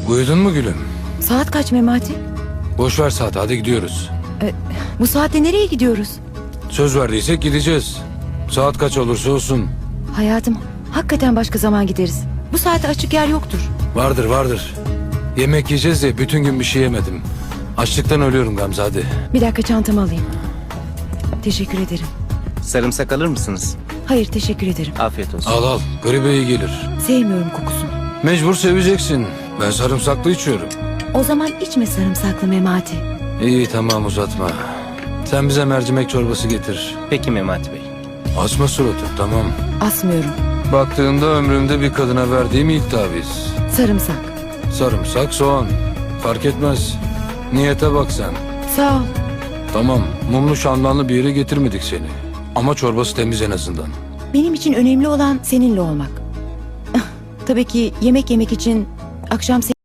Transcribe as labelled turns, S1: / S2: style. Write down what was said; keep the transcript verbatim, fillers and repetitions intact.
S1: Uyudun mu gülüm?
S2: Saat kaç Memati?
S1: Boş ver saat, hadi gidiyoruz.
S2: Ee, bu saatte nereye gidiyoruz?
S1: Söz verdiysek gideceğiz. Saat kaç olursa olsun.
S2: Hayatım, hakikaten başka zaman gideriz. Bu saate açık yer yoktur.
S1: Vardır vardır. Yemek yiyeceğiz de bütün gün bir şey yemedim. Açlıktan ölüyorum Gamze, hadi.
S2: Bir dakika, çantamı alayım. Teşekkür ederim.
S3: Sarımsak alır mısınız?
S2: Hayır, teşekkür ederim.
S3: Afiyet olsun.
S1: Al al, gribe iyi gelir.
S2: Sevmiyorum kokusunu.
S1: Mecbur seveceksin. Ben sarımsaklı içiyorum.
S2: O zaman içme sarımsaklı Memati.
S1: İyi tamam, uzatma. Sen bize mercimek çorbası getir.
S3: Peki Memati Bey.
S1: Asma suratı, tamam.
S2: Asmıyorum.
S1: Baktığında ömrümde bir kadına verdiğim ilk taviz.
S2: Sarımsak.
S1: Sarımsak, soğan. Fark etmez. Niyete bak sen.
S2: Sağ ol.
S1: Tamam, mumlu şandanlı bir yere getirmedik seni. Ama çorbası temiz en azından.
S2: Benim için önemli olan seninle olmak. Tabii ki yemek yemek için akşam